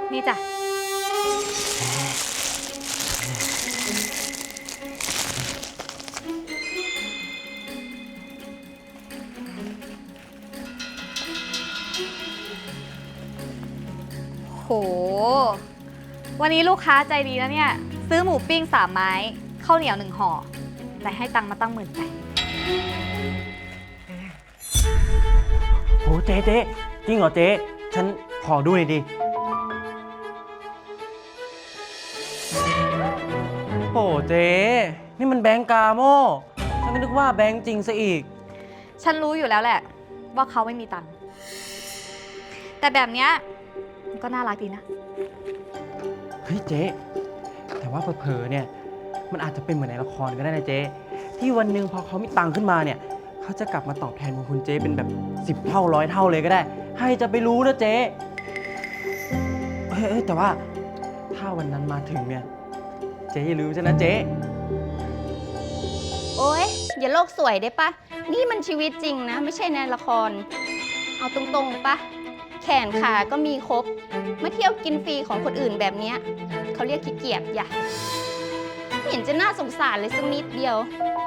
นี่จ้ะโหวันนี้ลูกค้าใจดีนะเนี่ยซื้อหมูปิ้ง3 ไม้ข้าวเหนียว1 ห่อแต่ให้ตังค์มาตั้ง18,000 โหเจ๊จริงเหรอเจ๊ฉันขอดูหน่อยดิโอ้เจ๊นี่มันแบงก์กาโม่ฉันก็นึกว่าแบงก์จริงซะอีกฉันรู้อยู่แล้วแหละว่าเขาไม่มีตังค์แต่แบบเนี้ยมันก็น่ารักดีนะเฮ้ยเจ๊แต่ว่าเผลอๆเนี่ยมันอาจจะเป็นเหมือนในละครก็ได้นะเจ๊ที่วันหนึ่งพอเขามีตังค์ขึ้นมาเนี่ยเขาจะกลับมาตอบแทนบุญคุณเจ๊เป็นแบบ10 เท่า100 เท่าเลยก็ได้ให้จะไปรู้นะเจ๊เฮ้ยแต่ว่าถ้าวันนั้นมาถึงเนี่ยเจ๊อย่าลืมฉันนะเจ๊โอ๊ยอย่าโลกสวยได้ปะนี่มันชีวิตจริงนะไม่ใช่ในละครเอาตรงๆปะแขนขาก็มีครบมาเที่ยวกินฟรีของคนอื่นแบบเนี้ยเขาเรียกขี้เกียจอย่าไม่เห็นจะน่าสงสารเลยสักนิดเดียว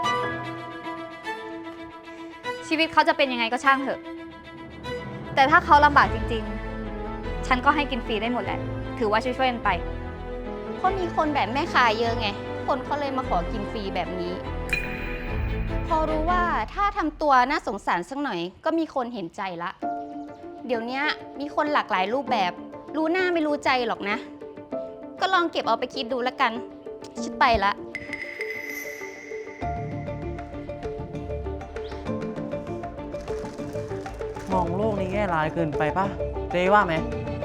ชีวิตเขาจะเป็นยังไงก็ช่างเถอะแต่ถ้าเขาลำบากจริงๆฉันก็ให้กินฟรีได้หมดแหละถือว่าช่วยๆกันไปเพราะมีคนแบบแม่ค้าเยอะไงคนเขาเลยมาขอกินฟรีแบบนี้พอรู้ว่าถ้าทำตัวน่าสงสารสักหน่อยก็มีคนเห็นใจละเดี๋ยวนี้มีคนหลากหลายรูปแบบรู้หน้าไม่รู้ใจหรอกนะก็ลองเก็บเอาไปคิดดูแล้วกันฉันไปละมองโลกในแง่ร้ายเกินไปปะเจ๊ว่าไหม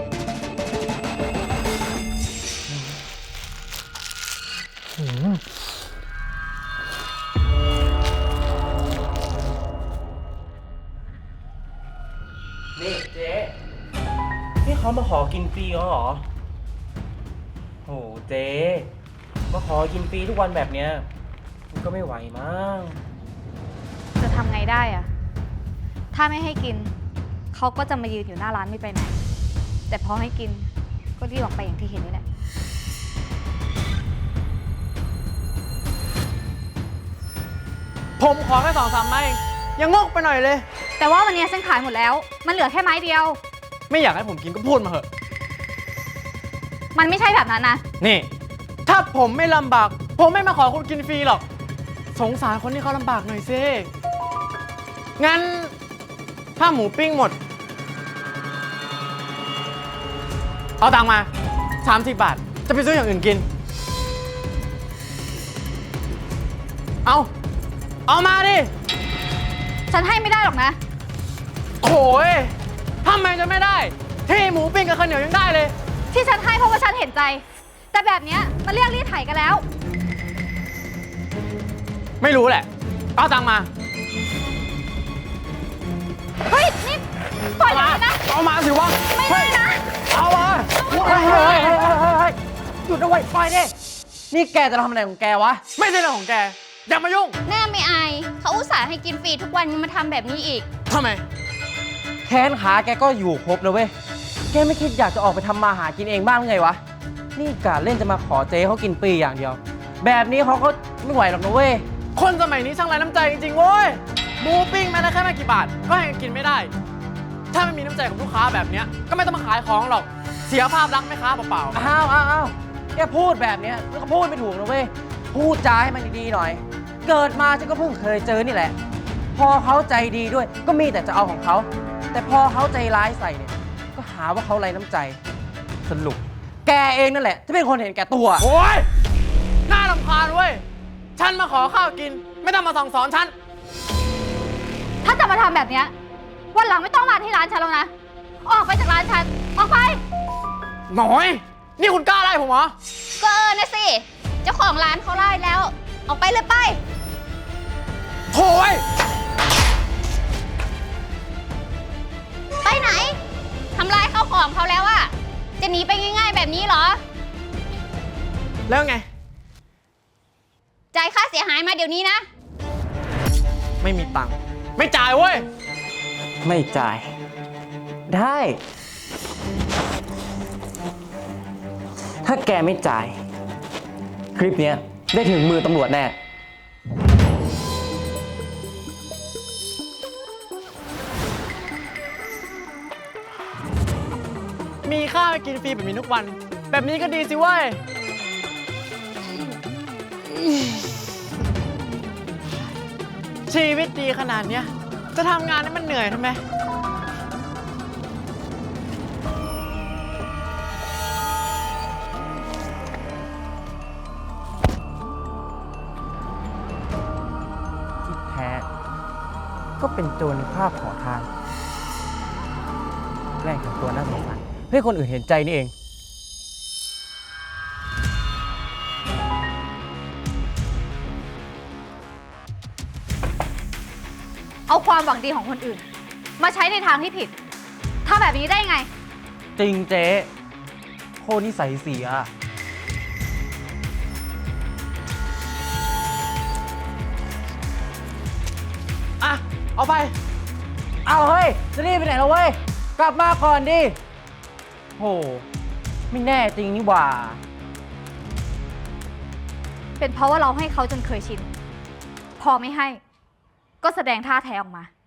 นี่เจ๊นี่เขามาขอกินฟรีเหรอโหเจ๊มาขอกินฟรีทุกวันแบบเนี้ยมันก็ไม่ไหวมั้งจะทำไงได้อะถ้าไม่ให้กินเขาก็จะมายืนอยู่หน้าร้านไม่ไปไหนแต่พอให้กินก็รีบออกไปอย่างที่เห็นนี่แหละผมขอแค่2-3 ไม้ยังงกไปหน่อยเลยแต่ว่าวันนี้ฉันขายหมดแล้วมันเหลือแค่ไม้เดียวไม่อยากให้ผมกินก็พูดมาเถอะมันไม่ใช่แบบนั้นนะนี่ถ้าผมไม่ลำบากผมไม่มาขอคุณกินฟรีหรอกสงสารคนที่เขาลำบากหน่อยสิงั้นถ้าหมูปิ้งหมดเอาตังค์มา30 บาทจะไปซื้ออย่างอื่นกินเอามาดิฉันให้ไม่ได้หรอกนะโถ่ทำไมจะไม่ได้ที่หมูปิ้งกับข้าวเหนียวยังได้เลยที่ฉันให้เพราะว่าฉันเห็นใจแต่แบบเนี้ยมันเรียกรีดไถกันแล้วไม่รู้แหละเอาตังค์มาเฮ้ยนี่ปล่อยเลยนะเอามาสิวะไม่ได้นะเอามาเฮ้ยหยุดเอาไว้ปล่อยดินี่แกจะทำอะไรของแกวะไม่ใช่เรื่องของแกอย่ามายุ่งหน้าไม่อายเขาอุตส่าห์ให้กินฟรีทุกวันยังมาทำแบบนี้อีกทำไมแค้นขาแกก็อยู่ครบนะเว้ยแกไม่คิดอยากจะออกไปทำมาหากินเองบ้างไงวะนี่กะเล่นจะมาขอเจ๊เขากินฟรีอย่างเดียวแบบนี้เขาก็ไม่ไหวหรอกนะเว้ยคนสมัยนี้ช่างไร้น้ำใจจริงๆเว้ยหมูปิ้งแม้แต่แค่ไม่กี่บาทก็ให้กินไม่ได้ถ้าไม่มีน้ำใจของลูกค้าแบบนี้ก็ไม่ต้องมาขายของหรอกเสียภาพลักษณ์แม่ค้าเปล่าๆอ้าวแกพูดแบบนี้แล้วก็พูดไม่ถูกนะเว้ยพูดจาให้มันดีๆหน่อยเกิดมาฉันก็เพิ่งเคยเจอนี่แหละพอเขาใจดีด้วยก็มีแต่จะเอาของเขาแต่พอเขาใจร้ายใส่เนี่ยก็หาว่าเขาไร้น้ำใจสรุปแกเองนั่นแหละที่เป็นคนเห็นแก่ตัวโอ้ยน่ารำคาญเว้ยฉันมาขอข้าวกินไม่ต้องมาสั่งสอนฉันถ้าจะมาทำแบบเนี้ยวันหลังไม่ต้องมาที่ร้านฉันแล้วนะออกไปจากร้านฉันออกไปหน่อยนี่คุณกล้าไล่ผมเหรอก็นะสิเจ้าของร้านเขาไล่แล้วออกไปเลยไปโถ่ไปไหนทำลายข้าวของเขาแล้วอะจะหนีไปง่ายๆแบบนี้เหรอแล้วไงจ่ายค่าเสียหายมาเดี๋ยวนี้นะไม่มีตังค์ไม่จ่ายเว้ยไม่จ่ายได้แกไม่จ่าย คลิปเนี้ยได้ถึงมือตำรวจแน่มีข้าวให้กินฟรีแบบนี้ทุกวัน แบบนี้ก็ดีสิเว้ย ชีวิตดีขนาดเนี้ย จะทำงานให้มันเหนื่อยทำไมที่แท้ก็เป็นโจรในภาพขอทานแกล้งทำตัวน่าสงสารเพื่อให้คนอื่นเห็นใจนี่เองเอาความหวังดีของคนอื่น มาใช้ในทางที่ผิดทำแบบนี้ได้ไงจริงเจ๊โคตรนิสัยเสียอ่ะ เอาไปเอาเฮ้ย จะรีบไปไหนแล้วเว้ย กลับมาก่อนดิโห ไม่แน่จริงนี่หว่าเป็นเพราะว่าเราให้เขาจนเคยชิน พอไม่ให้ ก็แสดงท่าแท้ออกมา